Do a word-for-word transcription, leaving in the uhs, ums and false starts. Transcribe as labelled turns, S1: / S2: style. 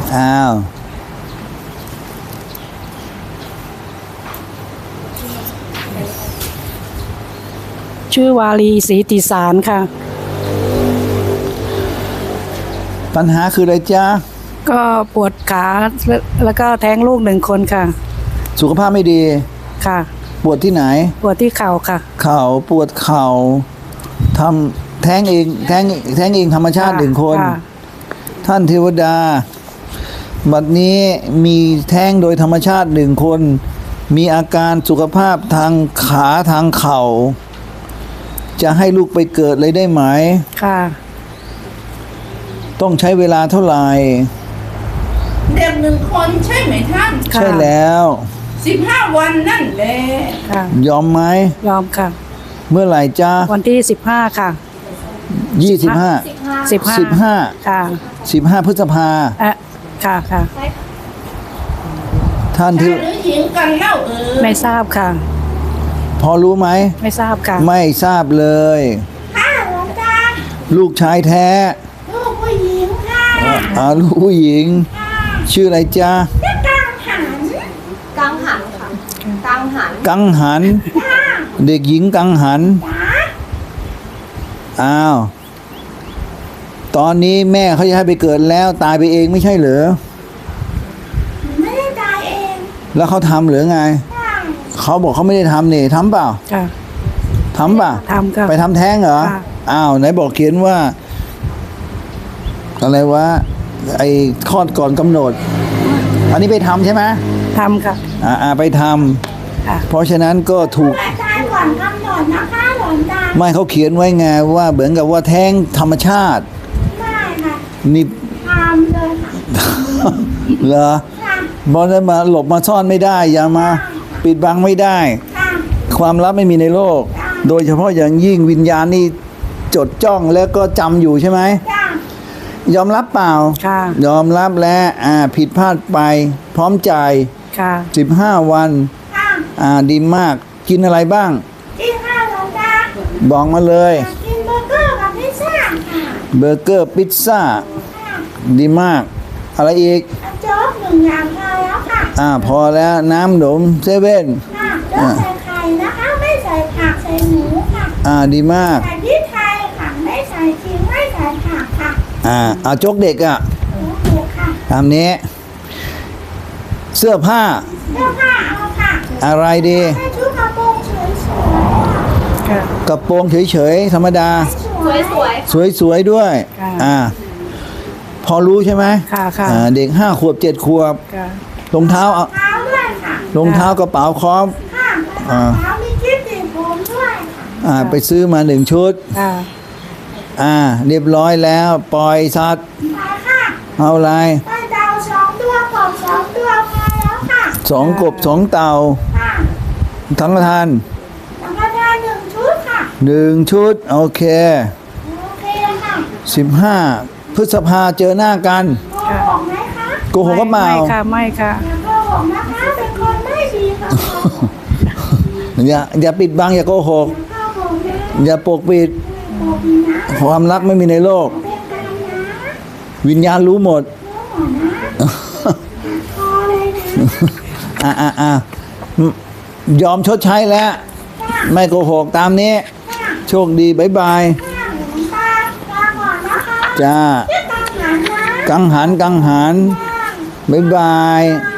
S1: อ้าว
S2: ชื่อวาลีศรีติสารค่ะ
S1: ปัญหาคืออะไรจ๊ะ
S2: ก็ปวดขาแล้วก็แท้งลูกหนึ่งคนค่ะ
S1: สุขภาพไม่ดี
S2: ค่ะ
S1: ปวดที่ไหน
S2: ปวดที่เข่าค่ะ
S1: เข่าปวดเข่าทำแท้งเองแท้งแท้งเองธรรมชาติหนึ่งคนท่านเทวดาบัดนี้มีแท้งโดยธรรมชาติหนึ่งคนมีอาการสุขภาพทางขาทางเข่าจะให้ลูกไปเกิดเลยได้ไหม
S2: ค่ะ
S1: ต้องใช้เวลาเท่าไหร่
S3: เด็กหนึ่งคนใช่ไหมท่าน
S1: ใช่แล้ว
S3: สิบห้าวันนั่นแหละ
S1: ยอมไหม
S2: ยอมค่ะ
S1: เมื่อไหร่จ้า
S2: วันที่สิบห้าค่ะ
S1: ยี่สิบห้า
S2: สิบห้า
S1: สิบห้า
S2: ค่ะ
S1: สิบห้าพฤษภา
S2: อ่ะค่ะค่ะ
S1: ท่านที่
S3: หรือหญิงกันเล่าเออ
S2: ไม่ทราบค่ะ
S1: พอรู้ไหม
S2: ไม่ทราบค่ะ
S1: ไม่ทราบเลย
S3: ค่ะหลวงตา
S1: ลูกชายแท้
S3: ลูกผู้หญิงค่ะ
S1: อ่าลูกผู้หญิงชื่ออะไรจ๊ะ
S3: กังหันกังหันค่ะกังหัน
S1: กังหันเด็กหญิงกังหันอ้าวตอนนี้แม่เขาจะให้ไปเกิดแล้วตายไปเองไม่ใช่เหรอ
S3: ไม่ได้ตายเอง
S1: แล้วเขาทำหรือไงเขาบอกเขาไม่ได้ทำนี่ทำเปล่าทำเปล่า
S2: ทำค่ะ
S1: ไปทำแท้งเหรออ้าวไหนบอกเขียนว่าอะไรวะไอ้คลอดก่อนกำหนดอันนี้ไปทำใช่ไหม
S2: ทำค่ะ
S1: อ่าไปทำเพราะฉะนั้นก็ถูก
S3: ตายก่อนกำหนดนะคะหลวงตา
S1: ไม่เขาเขียนไว้ไงว่าเหมือนกับว่าแท้งธรรมชาติ
S3: ไม่ค่ะ
S1: นี่
S3: ทำเลยค่ะ
S1: เหรอบอลจะมาหลบมาซ่อนไม่ได้อย่ามาปิดบังไม่ได้ความลับไม่มีในโลกโดยเฉพาะอย่างยิ่งวิญญาณนี่จดจ้องแล้วก็จำอยู่ใช่ไหมยอมรับเปล่า
S2: ค่ะ
S1: ยอมรับแล้วอ่าผิดพลาดไปพร้อมจ่าย
S2: ค่ะ
S1: สิบห้าวันอ่าดีมากกินอะไรบ้าง
S3: กินข้าวหลวงตา
S1: บอกมาเลย
S3: กินเบอร์เกอร์กับพิซซ่าค่ะ
S1: เบอร์เกอร์พิซซ่าดีมากอะไรอีก
S3: โจ๊กหนึ่งอย่างพอแล้วค่ะ
S1: อ่าพอแล้วน้ำหนมเซเว่น
S3: ค่ะโจ๊กใส่ไข่นะคะไม่ใส่ผักใส่หมูค่ะ
S1: อ่าดีมาก
S3: ใส่พริกไทยค่ะไม่ใส่ขิงไม่ใส่ผักค่ะ
S1: อ่าเอาโจ๊กเด็กอ่ะ
S3: โจ๊กค่ะ
S1: ตามนี้เสื้อผ้า
S3: เสื้อผ้าเอาค่ะ
S1: อะไรดี
S3: ชุดกระโปรงสวย
S1: ๆกระโปรงเฉยๆธรรมดา
S3: สวย
S1: ๆสวยๆด้วยอ่าพอรู้ใช่ไหม
S2: ค่ะค่ะ
S1: เด็กห้าขวบเจ็ดขวบรองเท้าเอารองเท้ากระเป๋าครอบ
S3: อ่ามีกิ๊บติดผมด้วย
S1: อ่าไปซื้อมาหนึ่งชุดอ่าเรียบร้อยแล้วปล่อยสัตว์เอาอะไร
S3: ปล่อยเต่าสองตัวกบสองตัวพอแล้วค่ะ
S1: สองกบสองเต่าทั้งกระทาน
S3: ทั้งกระทานหนึ่งชุดค่ะ
S1: หนึ่งชุดโอเค
S3: โอเคค่ะ
S1: สิบห้าพฤษภาเจอหน้ากัน
S3: โกหกไหมคะ
S1: โกหกก็เปล่า
S2: ไม่ค่ะไม่ค่ะ
S3: อย่าโกหกนะคะเป็นคนไม่ดีค่ะ
S1: อย่าอย่าปิดบังอย่าโกหกอย่าปกปิดความรักไม่มีในโลกวิญญาณรู้หมดอ่าอ่าอ่ายอมชดใช้แล้วไม่โกหกตามนี้โชคดีบ๊ายบายจ้ากังหันกังหันบ๊ายบาย